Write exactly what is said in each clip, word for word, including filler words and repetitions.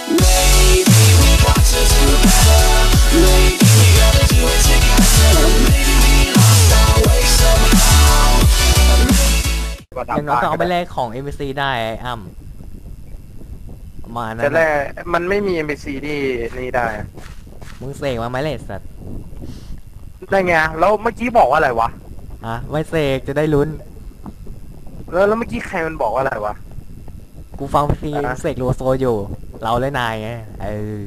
Maybe we got to do better. Maybe we gotta do it together. Maybe we lost our way somehow. อย่างน้อยก็เอาไปแลกของ เอ็ม บี ซี ได้ไอ้อ้ำมานะแต่แรกมันไม่มี เอ็ม บี ซี ที่นี่ได้มึงเสกมาไหมเลสสัตว์ได้ไงแล้วเมื่อกี้บอกว่าอะไรวะอ่ะไม่เสกจะได้ลุ้นแล้วแล้วเมื่อกี้ใครมันบอกว่าอะไรวะกูฟังซีอ่ะเสกโลโซอยู่ เราและนายไงเออ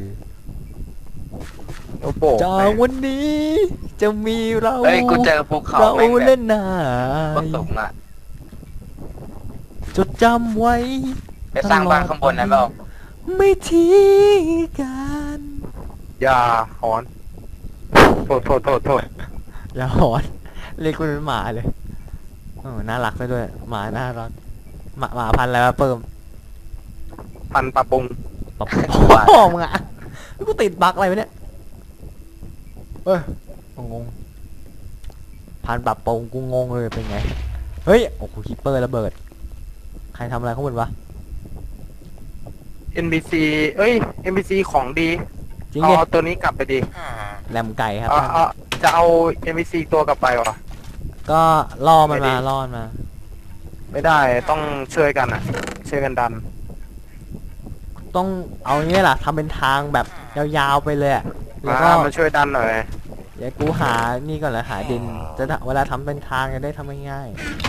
โอ้โหจากวันนี้จะมีเราเฮ้ยกูเจอภูเขาเราแม่งแบเล่บนนายสูงอ่ะจดจำไว้ไปสร้างบ้านข้างบนนั้นเปล่าไม่ทิ้งกันอย่าหอนโทษโทษโทษโทษอย่าหอนเรียกกูเป็นหมาเลยเออน่ารักซะด้วยหมาน่ารักหมาหมาพันธุ์อะไรวะเปิ่มพันปะปุงปะพ่อมึงอ่ะกูติดบั๊กอะไรวะเนี่ยเอ้ยงงพันปรับปรุงกูงงเลยเป็นไงเฮ้ยโอ้โหคิปเปอร์ระเบิดใครทำอะไรข้างบนวะเอ็น บี ซี เอ้ย เอ็ม บี ซี ของดีจริงเอาดิเอาตัวนี้กลับไปดีแรมไก่ครับเอาเอาจะเอา เอ็ม บี ซี ตัวกลับไปวะก็ล่อมันไม่มาดีล่อมันมาไม่ได้ต้องช่วยกันอ่ะ ช่วยกันดันต้องเอาอย่างนี้แหละทำเป็นทางแบบยาวๆไปเลยอะแล้วก็มามาช่วยดันหน่อยเดี๋ยวกูหานี่ก่อนเลยหาดินจะได้เวลาทำเป็นทางจะได้ทำง่าย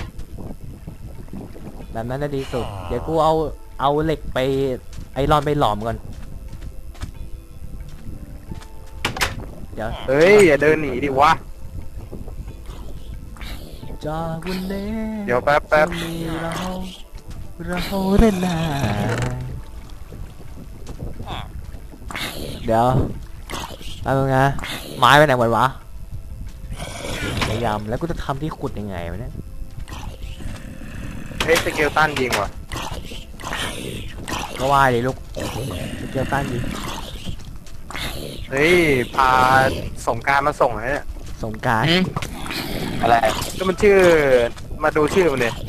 ๆแบบนั้นจะดีสุดเดี๋ยวกูเอาเอาเหล็กไปไอรอนไปหลอมก่อนเดี๋ยวเฮ้ย อย่าเดินหนีดิวะจากวันนี้เดี๋ยวแป๊บแป๊บจะมีเราเราเล่นนายเดี๋ยวแป๊บนึงนะไม้ไปไหนหมดวะพยายามแล้วกูจะทำที่ขุดยังไงวะเนี่ยเฮ้ยสเกลตันยิงว่ะก็ว่าดิลูกเกี่ยวกันดิเฮ้ย พาสงกรารมาส่งเลยเนี่ยสงกรารหืมอะไรก็มันชื่อ มาดูชื่อมันเลย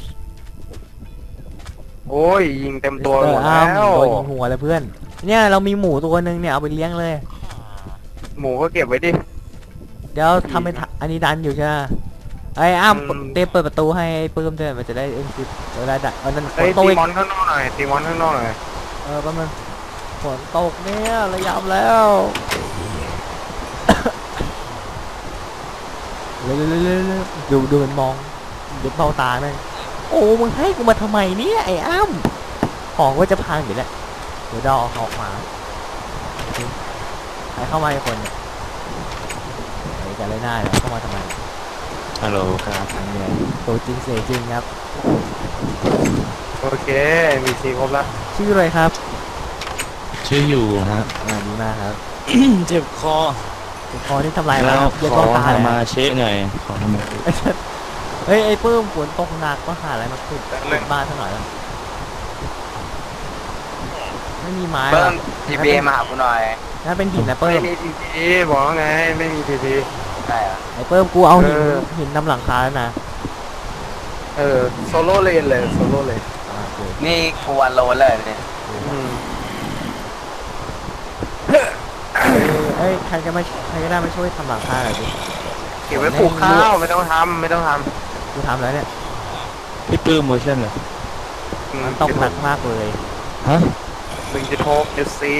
โอ้ย ยิงเต็มตัวหมดแล้วโดนยิงหัวเลยเพื่อนเนี่ยเรามีหมูตัวนึงเนี่ยเอาไปเลี้ยงเลยหมูก็เก็บไว้ดิเดี๋ยวทำเป็นทะอันนี้ดันอยู่ใช่ไหมไอ้อ้ามอืมเตรียมเปิดประตูให้ปื้มด้วยมันจะได้เอ็นซิปเวลาดักเออนั่นฝเฮ้ยนตกตีอีกมอนข้างนอกหน่อยตีมอนข้างนอกหน่อยเออประมาณฝนตกเนี่ยระยำแล้ว เร็วๆๆๆดูดูมันมองดูเบ้าตาแม่งโอ้มึงให้กูมาทำไมเนี่ยไอ้อ้ำของก็จะพังอยู่แล้วเดี๋ยวดอออกมาใครเข้ามาอีกคนเนี่ยไอ้กันเลยหน้าเนี่ยเข้ามาทำไมฮัลโหลครับอันนี้ตัวจริงเสียจริงครับโอเค มีซีครบแล้วชื่ออะไรครับชื่ออยู่ฮะอ่าดีมากครับเจ็บคอคอที่ทำลายมาแล้วเย็นขเบ้าอตาเลยมานะเช็คหน่อยขอมาเฮ้ยไอ้ปื้มฝนตกหนักก็หาอะไรมาขุดขุดบ้านซะหน่อยแล้วไม่มีไม้เบิ้หรอมทีบีมาหากูหน่อยนั่นเป็นหินนะเปิ้ไม่มมีทีทีบอกว่าไง ไม่มีทีทีใช่เหรอไอ้เปิ้มกูเอาหินเออหินนำหลังคาแล้วนะเออ โซโล่เลนเลย โซโล่เลนอ่าโอเคนี่กูวันโลนเลยเนี่ยอืมเอ้ยใครจะมาใครก็ได้มาช่วยทำหลังคาหน่อยดิเก็บไว้ปลูกข้าว ไม่ต้องทำไม่ต้องทกูทำแล้วเนี่ยพี่ปื้มโมชั่นเหรอำมันตกหนักมากเลยฮะหนึ่งจุดหกจุดสี่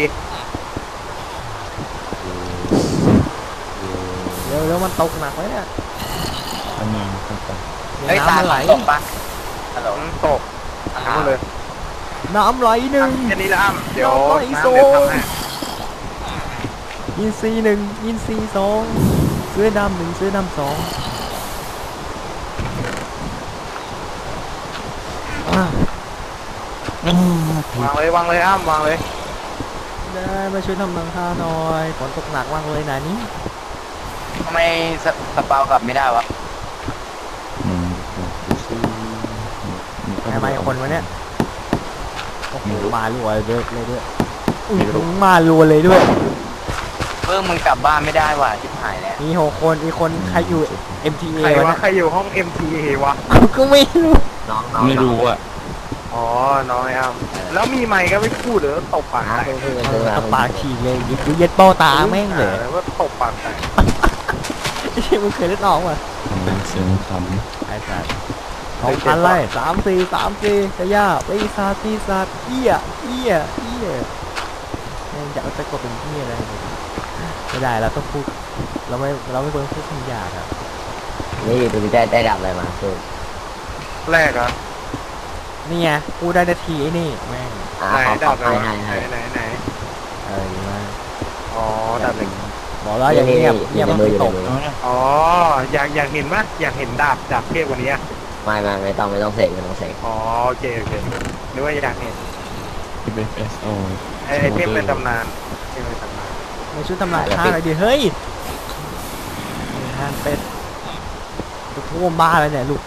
เร็วเร็วมันตกหนักเลยเนี่ยอันนี้ครับผมเฮ้ยน้ำตามันไหลตกปะฮัลโหลตกทั้งหมดเลยน้ำไหลหนึ่งแค่นี้ละอ้ำเดี๋ยวน้ำไหลน้ำโซ่เดี๋ยวทำให้อินซีหนึ่งอินซีสองเสื้อดำหนึ่งเสื้อดำสองอ่ะวางเลยวางเลยอ้ำวางเลยได้มาช่วยทำหลังคาหน่อยฝนตกหนักมากเลยนะนี่ทำไมสสเปากลับไม่ได้วะอืมทำไมคนวะเนี่ยโอ้โหมารัวเลยด้วยเลยด้วยอื้อหือมารัวเลยด้วยเบิ้มมึงกลับบ้านไม่ได้ว่ะชิบหายแล้วมีหกคนอีกคนใครอยู่ เอ็ม ที เอใครวะวะเนี่ยใครอยู่ห้อง เอ็ม ที เอ วะกูก็ไม่รู้น้องน้องไม่รู้อ่ะอ๋อน้องไอ้อ้ำแล้วมีไมค์ก็ไม่พูดเหรอตบปากหาแตกเพื่อนเอซื้ออมาตะปากฉีกเลยยิบเย็ดเป้าตาแม่งเลยหาว่าตบปากแตกไอ้เหี้ยมึงเคยเล่นออกป่ะเสียงคไอ้สัตว์สองพันไล่สามสี่สามสี่กระยาปีศาจปีศาจเอี้ยเอี้ยเอี้ยแม่งจะเอาตะกดเป็นเอี้ยอะไรเนี่ยไม่ได้เราต้องพูดเราไม่เราไม่ควรพูดคำหยาบครับนี่ดูได้ได้ดับอะไรมาคือแรกอ่ะนี่ไงพูดได้นาทีไอ้นี่แม่งอ่าไหนขอขดัอบไหนให้วะให้ไหนให้ไหนไหนเออดีมากอ๋อดับหนึ่งบอกแล้วอย่างเงียบเงียบมันไม่ตกำอ๋ออยากอยากเห็นไหมอยากเห็นดาบดาบเทพกว่านี้อะไม่ไม่ไม่ต้องไม่ต้องเสกไม่ต้องเสกอ๋อโอเคโอเคนึกว่าอยากเห็นที่เป็น เอส โอไอ้ไอ้เทพเป็นตำนานเทพเป็นตำนานในชุดทำลายท่าอะไรดีเฮ้ยทานเป็ดจะท่วมบ้านเลยเนี่ยลูก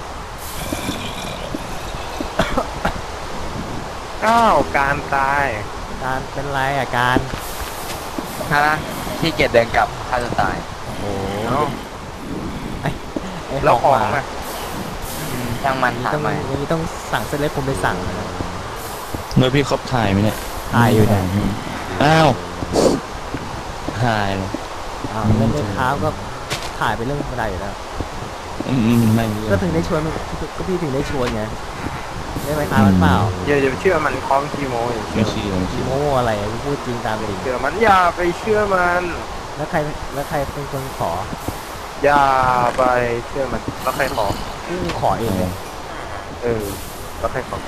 อ้าวการตายการเป็นไรอ่ะการฮะที่เกียจเดินกลับฆ่าตัวตายโอ้โหเอ้าไอ้แล้วหขออก งมาอ่ะอืมช่างมันถามต้องใหม่อย่างนี้ต้องสั่งเส้นเล็กผมไปสั่งนะเมื่อพี่ครบถ่ายไหมเนี่ยถ่ายอยู่เนี่ยอ้าวถ่ายเลยอ้าวเล่นเล่นเท้าก็ถ่ายไปเรื่องธรรมดาอยู่แล้วอืมอืมไม่ก็ถึงได้ชวนก็พี่ถึงได้ชวนไงได้ไหมครับมันเปล่าอย่าอย่าไปเชื่อมันคล้องคีโมอย่าไม่เชื่อชี้ไม่ชี้โม้อะไรอ่ะพูดจริงตามจริงเชื่อมันอย่าไปเชื่อมันแล้วใครแล้วใครเป็นคนขออย่าไปเชื่อมันแล้วใครขอกูขอเองเลยเออแล้วใครขอ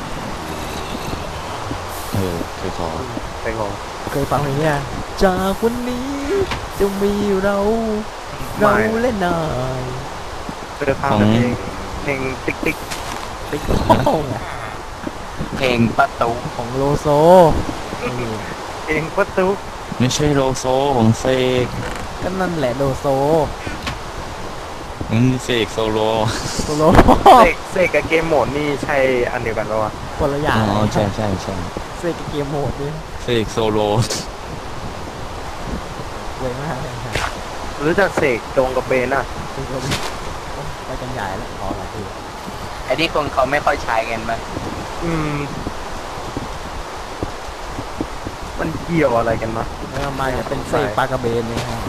เออเคยขอใครขอเคยฟังเพลงนี้นะจากวันนี้จะมีเราเราเล่นนายเจอทางเพลงเพลงติ๊กติ๊กติ๊กต้องอ่ะเพลงประตูของโลโซนี่เพลงประตูไม่ใช่โลโซของเสกก็นั่นแหละโลโซอืมเสกโซโลโซโลเสกเสกกับเกมโหมดนี่ใช่อันเดียวกันปะวะคนละอย่างอ๋อใช่ใช่ใช่เซกบเกมโหมดนี่เสกโซโลเวยมากเลยครับรู้จักเสกจงกับเบนอ่ะเป็นคนโอ้ไปกันใหญ่แล้วพอละพี่ไอ้ที่คนเขาไม่ค่อยใช้กันมั้ยอืม มันเกี่ยวอะไรกันมะแล้วมาจะเป็นเซกปลากระเบนเลยครับ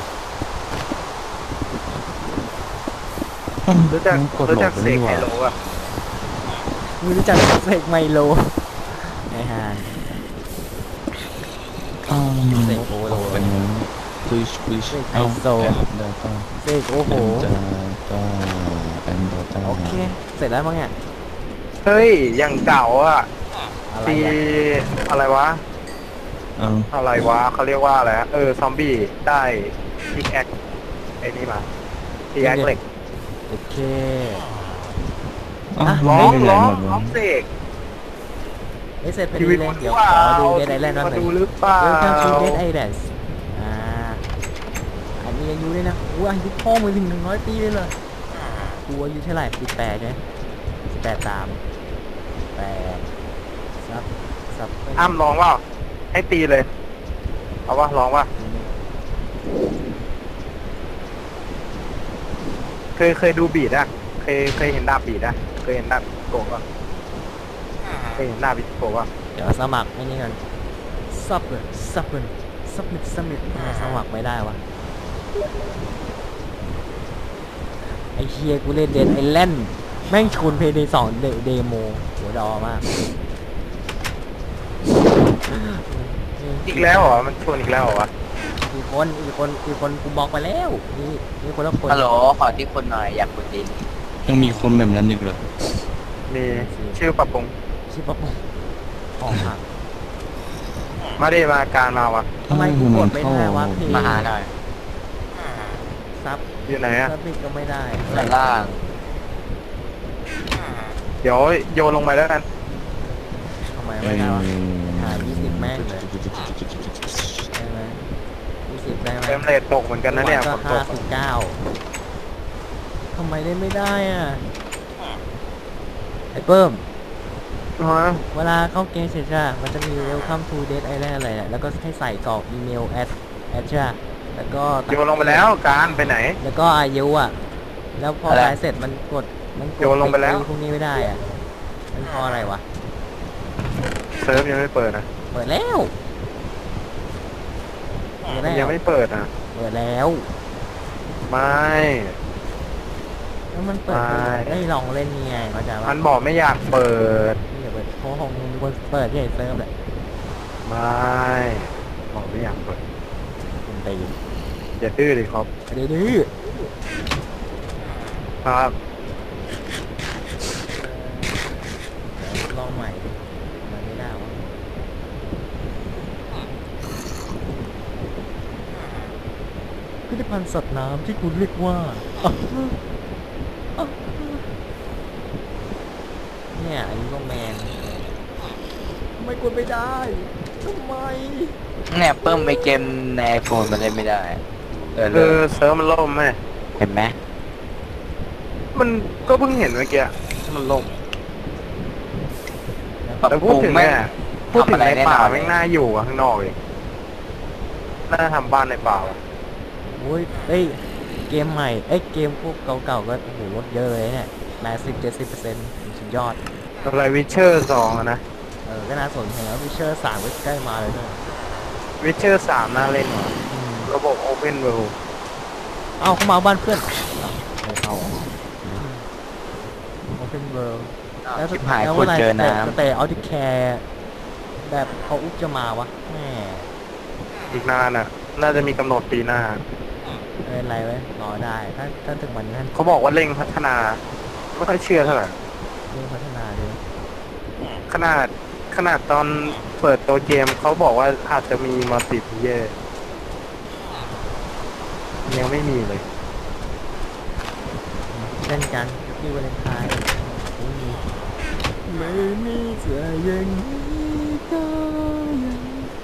รู้จักกดรู้โหลจัดกไปเสดีกกไฮว่าโลอ่ะมึงรู้จักเซกไมโลไงฮะอ้าวเสกโอโลเป็นคุยคุยเสกไฮเอ้าโซแอปดาต้าเซกโอ้โหแอปดาต้าแอปดาต้าโอเค เสร็จแล้วมั้งเนี่ยเฮ้ยอย่างเก่าอ่ะอะไรตีอ่ะอะไรวะเอ้าอะไรวะเขาเรียกว่าอะไรอะเออ ซอมบี้ได้พิกแอคไอ้นี่มาพิกแอคเหล็กโอเคเอ้าอ่ะร้องไม่เป็นไรร้องหมดเลร้อย งเสกไม่เสร็จพอชีดีวิตเลยมันเดี๋ยวว่าขอดูเดดไอแลนด์นั่นมาหน่อยดูหรือเปล่า Welcome to Dead Islands อ่า อันนี้อายุด้วยนะอู้อายุพ่อมึงถึงหนึ่งร้อยปีเลยเหรอกูอายุเท่าไหร่สิบแปดใช่ไหมสิบแปดตามแปดซับซับอ้ำร้องว่าให้ตีเลย เอาวะร้องว่าเคยเคยดูบีดอะเคยเคยเห็นดาบบีดอะเคยเห็นดาบโกะป่ะเคยเห็นดาบบิโกะป่ะเดี๋ยวสมัครไอ้นี่กันซับเลยซับเลยซับมิดซับมิดทำไมสมัครไม่ได้วะ ไอเฮียกูเล่นเดนไอแลนด์แม่งชวนเพย์เดย์สองเดโมหัวดอมากอีกแล้วเหรอ มันชวนอีกแล้วเหรอวะอีกคนอีกคนอีกคนกูบอกไปแล้วนี่นี่คนละคนฮัลโหลขอที่คนหน่อยอยากกดดินยังมีคนแบบนั้นอีกเหรอมีชื่อปรับปรุงชิปะปงของหักมาดิมาการมาวะทำไมกูกดไม่ได้วะพี่มาหาหน่อยซับอยู่ไหนอะซับมิดก็ไม่ได้ด้านล่างเดี๋ยวโยนลงไปแล้วกันทำไมไม่ได้วะหายี่สิบแม่งเลยได้ไหมยี่สิบได้ไหมเฟรมเรทตกเหมือนกันนะเนี่ยฝก็นตห้าก สิบเก้าทำไมเล่นไม่ได้อ่ะไอ้เพิ่มฮะเวลาเข้าเกมเสร็จใช่ปะมันจะมี Welcome to Dead Island อะไรเนี่ยแล้วก็ให้ใส่กรอกอีเมลแอดแอดใช่ปะแล้วก็โยนลงไปแล้วการไปไหนแล้วก็อายุอ่ะ แล้วพออะไรตายเสร็จมันกดมันกดโยนลงไปแล้วอ้พวกนี้ไม่ได้อ่ะมันเพราะอะไรวะเซิร์ฟยังไม่เปิดนะเปิดแล้วเปิดแล้วยังไม่เปิดนะเปิดแล้วไม่แล้วมันเปิดไม่ได้ลองเล่นยังไงเข้าใจมัปะนบอกไม่อยากเปิดไม่อยากเปิดเพราะของมึงคนเปิดที่ไหนเซิร์ฟเลยไม่บอกไม่อยากเปิดคุณตีอย่าดื้อเลยครับดื้อครับๆลองใหม่ดิมันไม่ได้วะพิพิธภัณฑ์สัตว์น้ำที่คุณเรียกว่าอ่ะอ่ะเนี่ยอันนี้ก็แมนไม่กดไม่ได้ทำไมเนี่ยเพิ่มไปเกมในไอโฟนมันเล่นไม่ได้ เออเอเลยอเซิร์ฟมันล่มไหมเห็นไหมมันก็เพิ่งเห็นเมื่อกี้มันล่มปรับแต่ปพูดรุงถึงไม่เนี่ยพูดถึงทำอะไรในแน่ป่านอนไม่งน่าอยู่อะข้างนอกเลยน่าทำบ้านในป่าอะโอ้ยเอ้ยเกมใหม่เอ้ยเกมพวกเก่าๆก็โอ้โหลดเยอะเลยเนี่ยแปดสิบเจ็ดสิบเปอร์เซ็นต์สุดยอดอะไรวิเชอร์สองอะนะเออก็น่าสนใจแล้ววิเชอร์สามก็ใกล้มาเลยด้วยวิเชอร์สามน่าเล่นว่ะอืมระบบโอเพนเวิลด์เอาเข้ามาบ้านเพื่อนไม่เข้าโอเพนเวิลด์ แล้วชิบหายแล้วขุดเจอน้แต่แต่เอาที่แคร์แบบเขาอุ๊บจะมาวะแหมอีกนานอ่ะ น่าจะมีกำหนดปีหน้าเอออะไรไว้รอได้ถ้าถ้าถึงวันนั้นเขาบอกว่าเร่งพัฒนา ไม่ค่อยเชื่อเท่าไหร่เรื่องพัฒนาเลยขนาดขนาดตอนเปิดตัวเกมเขาบอกว่าอาจจะมีมัลติเพลเยอร์ยังไม่มีเลยเช่นกันที่วาเลนไทน์ไม่มีไม่มีเสื้อยังนี้ก็ยัง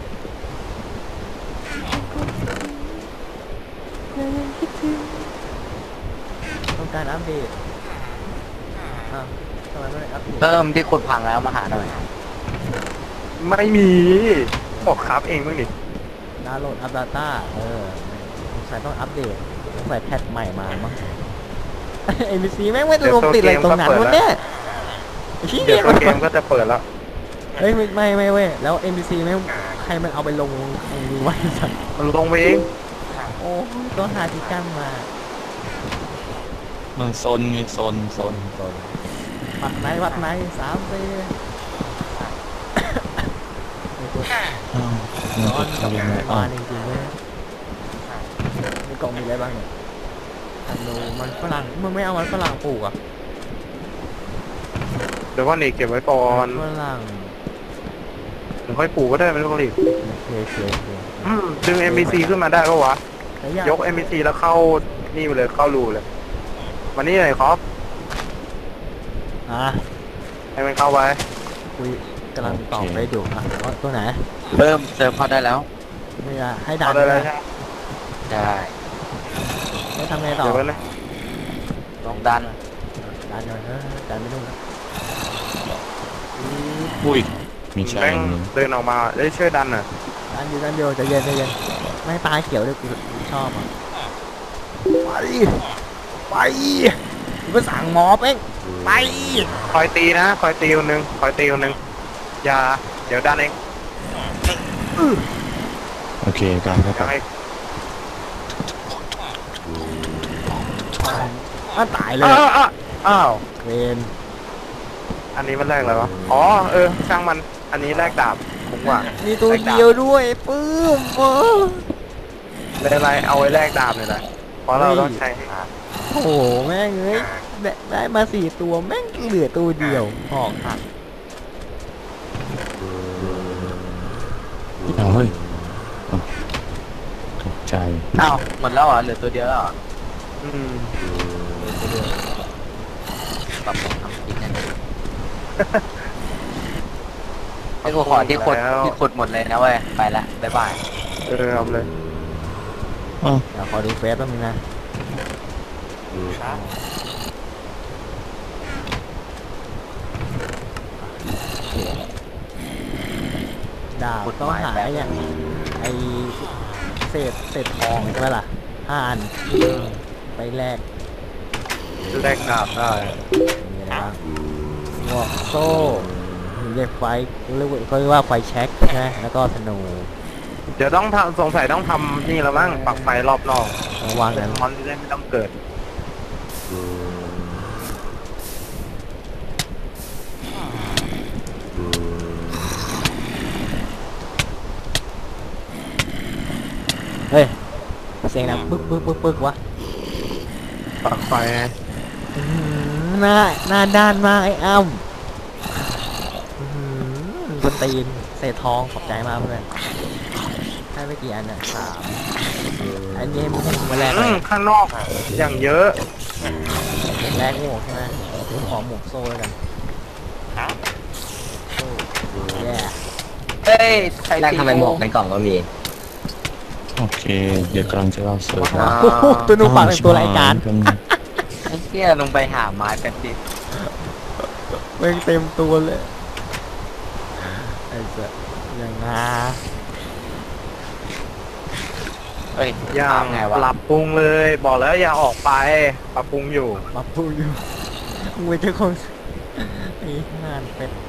ยังคิดถึงต้องการอัปเดตอ้าวทำไมไม่อัปเดำตเพิ่มที่ขุดพังแล้วมาหาหน่อยไม่มีบอกครับเองบ้างดิดาวน์โหลดอัปดาต้าเออสงสัยต้องอัปเดตต้องใส่แพทใหม่มามั้ง เอ็มบีซีแม่งไม่ลงติดอะไรตรงนั้นวะเนี่ยไอ้เหี้เดี๋ยวย ตัวเกมก็จะเปิดแล้วเฮ้ยไม่ไม่ไม่เว้ยแล้ว เอ็ม บี ซี ไม่งใครมันเอาไปลงไอ้นี่ไว้สัตว์มันลงไปเองโอ้ยต้องหาที่กั้นมามันซนไงซนซนวัดไหนวัดไหนสามสี่อ้าวนมันอนจะกับทำยังไงบ้าอ้าวนจริงๆเลยในกล่องมีอะไรบ้างเนี่ยอันนูมันฝรั่งมันไม่เอามันฝรั่งปลูกอ่ะเดี๋ยวว่านี่เก็บไว้ก่อนฝรั่งเดี๋ยวค่อยปลูกก็ได้ไม่ต้องรีบโอเคโอเคโอเคอืมดึง เอ็ม บี ซี ขึ้นมาได้ก็วะแต่อยากยก เอ็ม บี ซี แล้วเข้านี่ไปเลยเข้ารูเลยวันนี้เลยครับอ่ะให้มันเข้าไปคุยกำลังตอบได้ดูอ่ะเอาตัวไหนเริ่มเซิร์ฟเข้าได้แล้วไม่ได้ให้ดัเอานได้เลเลยยใช่ไหมได้ให้ทำไงต่อเดี๋ยวไว้เลยลงดันดันหน่อยเออดันไปนู่นนะอุ้ยมีชายแม่งหนึ่งเดินออกมาได้ช่วยดันอ่ะดันอยู่ดันเดียวใจเย็นใจเย็นไม่ให้ตาเขียวเลยกูกูชอบอ่ะไปไปกูก็สั่งหมอเป้งไปคอยตีนะคอยตีคนหนึงคอยตีคนหนึงอย่าเดี๋ยวดันเองโอเคการเข้าอย่าไปให้อ้าวตายเลยอ้าวอ้าวอ้าวเวนอันนี้มันแรกอะไรวะอ๋อเออช่างมันอันนี้แรกดาบผมว่ามีตัวเดียวด้วยปื้มเออไม่เป็นไรเอาไว้แรกดาบเลยนะเพราะเราต้องใช้ให้หาโอ้โหแม่งเอ้ยได้ได้มาสี่ตัวแม่งเหลือตัวเดียวหอกหักเอาเฮ้ยอ้าวตกใจอ้าวหมดแล้วเหรอเหลือตัวเดียวแล้วเหรออืมปรับปรุงทำจริงนั่นเองไอ้กูขอที่ขุดที่ขุดหมดเลยนะเว้ยไปละบ๊ายบายเออเอาเลยอ้าวเดี๋ยวขอดูเฟซแป๊บนึงนะดาบต้องหาไอ้เนี่ยไอเศษเศษทองใช่ไหมล่ะห้าอันไปแลกแรกดาบได้มีอะไรบ้างหมวกโซ่ มีเรียกไฟเรียกว่าเขาเรียกว่าไฟแช็กนะแล้วก็ธนูเดี๋ยวต้องทำสงสัยต้องทำนี่แล้วมั้งปักไฟรอบนอกระวางกันมอนจะได้ไม่ต้องเกิดเฮ้ยเสียงดังปึ๊กปึ๊กปึ๊กปึ๊กวะปักไฟไงอื้อหือหน้าหน้าด้านมากไอ้อ้ำอื้อหือคนตีนเศษทองขอบใจมากเพื่อนให้ไปกี่อันน่ะสามอันนี้มึงให้มึงมาแลกเลอืยมข้างนอกอะอย่างเยอะแลกหมวกใช่ไหมขอหมวกโซ่แล้วกันโซ่แย่เฮ้ยใครแรกทำไมหมวกในกล่องก็มีโอเค เดี๋ยวกำลังจะเล่าเสริมอ่าตัวนูปากเป็นตัวรายการไอ้เหี้ยลงไปหาไม้แป๊บเดิเม่งเต็มตัวเลยไอ้เจ้าอย่างงาเฮ้ยอย่าทำไงวะปรับปรุงเลย บอกแล้วอย่าออกไปปรับปรุงอยู่มาพูดอยู่มึงเป็นเจ้าของไอ้งานเป็ด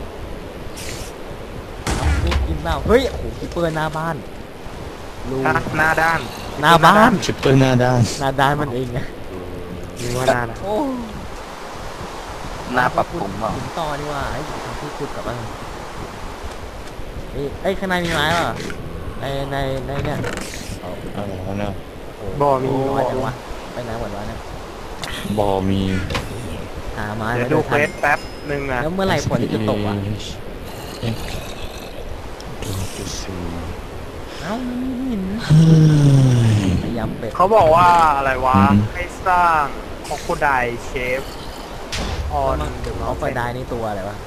เอาลูกกินเปล่าเฮ้ยโอ้โหคิปเปอร์หน้าบ้านลูกฮะหน้าด้านหน้าบ้านชิปเปอร์หน้าด้านหน้าด้านมันเองไงนี่ว่าหน้านะโอ้หน้าปรับปรุงเปล่าถึงต่อดีกว่าไอ้ทำที่ขุดกับมันเอ้ยเอ้ยข้างในมีไม้ป่ะในในในเนี่ยเอาแล้วนะบ่มีน้อยจังวะไปไหนหมดวะเนี่ยบอมีหาไม้เดี๋ยวมาดูด้วยเควทันสแป๊บหนึ่งนะแล้วเมื่อไหร่ฝนจะตกอ่ะเอ๊ะดูจะซื้อเอ้ามันไม่เห็นเฮ้ยพยายามเป็ดเขาบอกว่าอะไรวะอืมให้สร้างคอโคไดเชฟออนเดอะเขาไฟได้นี่ตัวอะไรวะ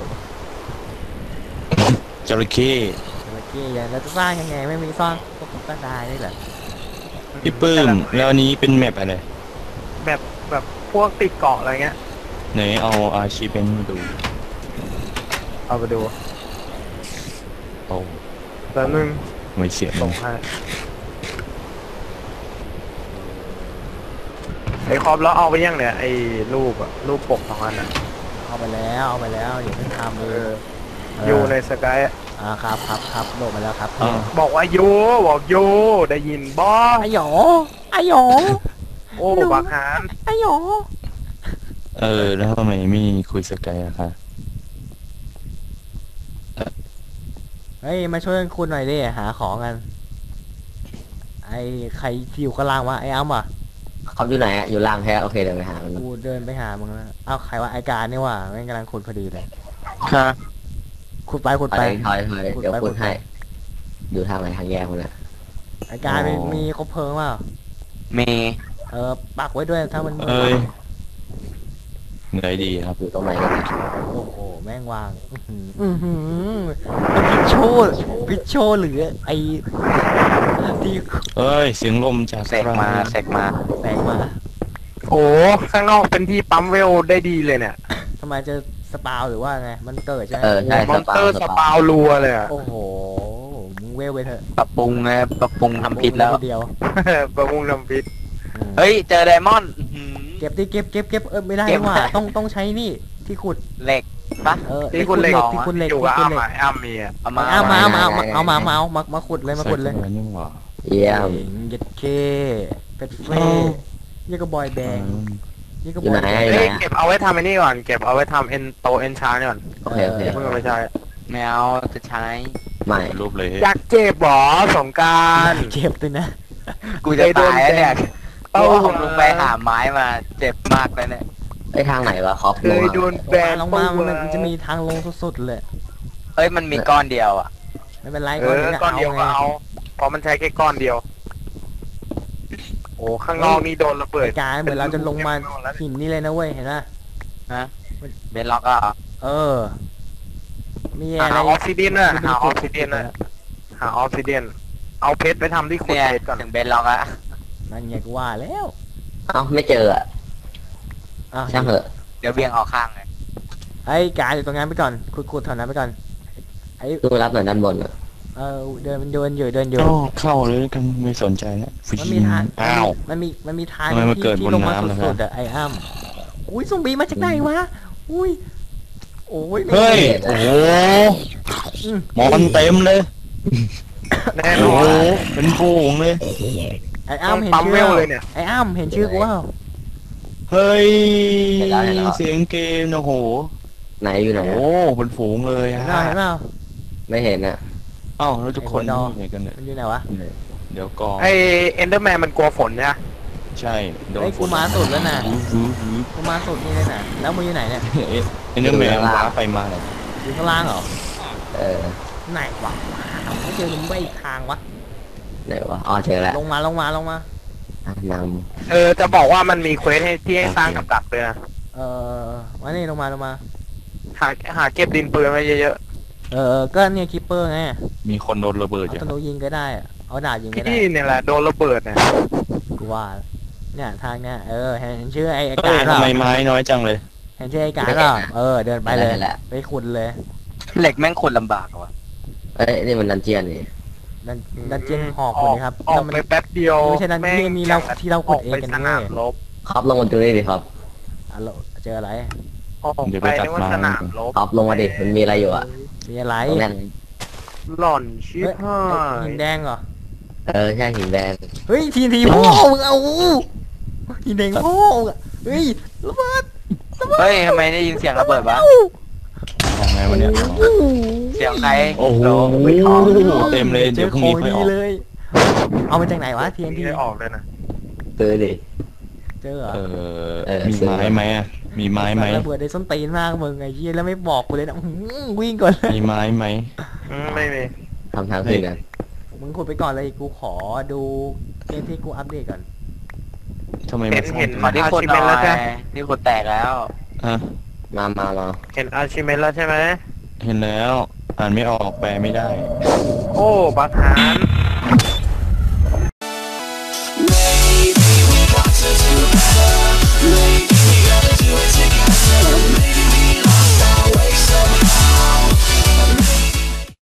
จระเข้เมื่อกี้ยังแล้วจะสร้างยังไงไม่มีสร้างก็ก็ได้นี่แหละพี่ปื้มแล้วอันนี้เป็นแมปอะไรแบบแบบพวกติดเกาะอะไรเงี้ยไหนเอาอาชีพเป็นมาดูเอาไปดูโอ้แป๊บนึงไม่เสียงส่งให้ไอ้คอปแล้วเอาไปยังเนี่ยไอ้รูปอะรูปปกของมันอะเอาไปแล้วเอาไปแล้วอย่าเพิ่งทำเอเลยออยู่ในสกายอ่าครับครับครับโดดมาแล้วครับอ้าวบอกว่าอยู่บอกอยู่ได้ยินบอไอหยอไอหยอโอ้บักหานไอหยอเออ แล้วทำไมไม่คุยสกายอะคะเฮ้ยมาช่วยกันคุณหน่อยดิหาของกันไอใครที่อยู่ข้างล่างวะไออ้ำอ่ะเขาอยู่ไหนอะอยู่ล่างแท้โอเคเดินไปหามันกูเดินไปหามึงแล้วเอ้าใครว่าไอการนี่ว่ะแม่งกำลังขุดพอดีเลยค่ะขุดไปขุดถไปอยถอยถอยเดี๋ยวพูดให้ อยู่ทางไหนทางแยกมันอะไอการมีมีคบเพลิงเปล่ามีเออปักไว้ด้วยถ้ามันเอ้ยเหนื่อยดีครับอยู่ตรงไหนกันนะโอ้โหแม่งวางอื้อหืออื้อหือพิชโชพิชโชหรือไอที่เอ้ย เสียงลมจากเสกมาเสกมาแตกมาโอ้ข้างนอกเป็นที่ปั๊มเวลได้ดีเลยเนี่ยทำไมจะสปาวหรือว่าไงมันเกิดใช่ไหมเออใช่มอนเตอร์สปาวรัวเลยอะโอ้โหมึงเวลไปเถอะปรับปรุงไงปรับปรุงทำผิดแล้วเดียวประมุงน้ำพิษเฮ้เฮ้ยเจอไดมอนด์อื้อหือเก็บดิเก็บเก็บเก็บเออไม่ได้เก็บว่ะต้องต้องใช้นี่ที่ขุดเหล็กปะเออที่คุณเหล็กที่คุณเหล็กอยู่ที่กับคุณอ้าเหล็กมอ้ามมีอะเอามาเอามาเอามาเอามาเอามาเอามาเอามามาขุดเลยมาขุดเลยใส่นี่หว่าเยี่ยมเย็ดเคเป็ดเฟ่อ้าวยี่กระบอยแบงยี่กระอบ ยู่อยไหนแบงอยู่ไหเฮ้นยเก็บเอาไว้ทำไอ้นี่ก่อนเก็บเอาไว้ทำเอ็นโตเอ็นชาร์ก่อนโอเคโอเคเพิ่งเอาไปใช้แมวจะใช้ไม่รูปเลยอยากเจ็บหรอสงกรารเจ็บด้วยนะกูจะตายแล้วเนี่ยเอ้ากูเอาลงไปหาไม้มาเจ็บมากเลยเนี่ยไอ้ทางไหนวะคอปเคลงยอะโดนแบนลงมามันมันจะมีทางลงสุดๆเลยเฮ้ยมันมีก้อนเดียวอ่ะไม่เป็นไรเออก้อนเดียวก็เอาเพราะมันใช้แค่ก้อนเดียว โอ้ข้างนอกนี่โดนระเบิดการเหมือนเราจะลงมาหินนี่เลยนะเว้ยเห็นไหมฮะเบนล็อกอ่ะเออ มีหาอะไรออกซิเดียนนะหาออกซิเดียนนะหาออกซิเดียนเอาเพชรไปทำที่ขุดเนี่ยเพชรก่อนถึงเบนล็อกอ่ะนั่นไงกูว่าแล้วเอ้าไม่เจออะอ้าวช่างเถอะเดี๋ยวเบี่ยงออกข้างเลยไอ้การอยู่ตรงนั้นไปก่อนขุดๆแถวนั้นไปก่อนไอ้ดูรับหน่อยด้านบนอะเออเดินมันเดินอยู่เดินอยู่ก็เข้าเลยกันไม่สนใจแล้วฟิมันมีทางอ้าวมันมีมันมีทางทำไมมันที่เกิดที่บนลงมาน้ำล่ะสุดครับๆอะไอ้อ้ำอุ้ยซอมบี้มาจากไหนวะอุ้ยโอ้ยเฮ้ย โอ้โหหมอนเต็มเลยแน่นโอ้อโหนเป็นฝูงเลยไอ้อ้ำเห็นปั๊มชื่อเวลเลยเนี่ยไอ้อ้ำเห็นชื่อกูเปล่าเฮ้ยเห็นแล้วเห็นแล้วเสียงเกมโอ้โหไหนอยู่ไหนโอ้อะเป็นฝูงเลยเห็นฮะเปล่าเห็นเปล่าไม่เห็นอ่ะเอ้าแล้วทุกคนไอ้หัวดออยู่ไหนกันเนี่ยมันอยู่ไหนวะเดี๋ยวกองไอเอนเดอร์แมนมันกลัวฝนนะใช่โดนไอ้ยกูมาสุดแล้วน่ะหือหือหือกูมาสุดนี่เลยน่ะแล้วมึงอยู่ไหนเนี่ยเอ๊ะไอ้เนื้อแมวว้าไปมาเลยอยู่ข้างล่างเหรอเออไหนวะไม่เจอมึงไปอีกทางวะไหนวะอ๋อเจอแล้วลงมาลงมาลงมาอ่ะนเออจะบอกว่ามันมีเควสให้ที่ให้สร้างกับดักเลยนะเออมานี่ลงมาลงมาหาหาเก็บดินปืนไว้เยอะเออก็เนี่ยคิปเปอร์ไงมีคนโดนระเบิดเอาอยู่ธนูยิงก็ได้อะเอาดาบยิงๆก็ได้พี่เนี่ยแหละโดนระเบิดเนี่ยกูว่าเนี่ยทางเนี่ยเออเห็นเห็นชื่อไอ้ไอ้เฮ้กาย รเปล่าทำไมไม้น้อยจังเลยเห็นชื่อไอ้การเปล่าเออเดินไปเลยไปขุดเลยเหล็กแม่งคนลำบากอะว่ะำเอ้ยนี่มันดันเจียนนี่ดันดันเจียนหอกขุดนะครับออกแล้วมันไปแป๊บเดียวไม่ใช่ดันเจียนนี่เราที่เราขุดเองกันสเว้นามยรบครับลงมาดูนี่ดิครับอ่ะเราเจออะไรออกเดี๋ยวไปไปตัดนึกว่าไม้สนามรบครับลงมาดิมันมีอะไรอยู่อ่ะมีอะไรตรงนั้นหล่อนชิบเฮ้ยหาไอ้หิยนแดงเหรอเออใช่หินแดงเฮ้ยทีนทีพ่อมึงเอาหินแดงพ่อมึงอะเฮ้ยระเบิดเฮ้ยทำไมได้ยินเสียงระเบิดวะของไงวันเนี้ยเสียงใครโอ้โหเต็มเลยเจเดี๋ยอวพรุ่งขอนี้งค่อยดีออกเลย เอามาจากไหนวะทีนทีไม่ได้ออกเลยนะซื้อดิเจอเหรอเออเออมีไม้ไหมอะมีไม้ไหมระเบิดได้ส้นตีนมากมึงไอ้เหี้ยแล้วไม่บอกกูเลยนะอื้อหือวิ่งก่อนเลยมีไม้ไหมอืมไม่มีทำทางขึ้นกันมึงขุดไปก่อนเลยกูขอดูเกมที่กูอัปเดตก่อนทำไมเห็ไม่นเห็นขอที่ขุดหน่อแล้วยใช่ที่ขุดแตกแล้วฮะมามามาเห็นอาชิเมนแล้วใช่ไหมเห็นแล้ว อ่านไม่ออกแปลไม่ได้โอ้บาคาน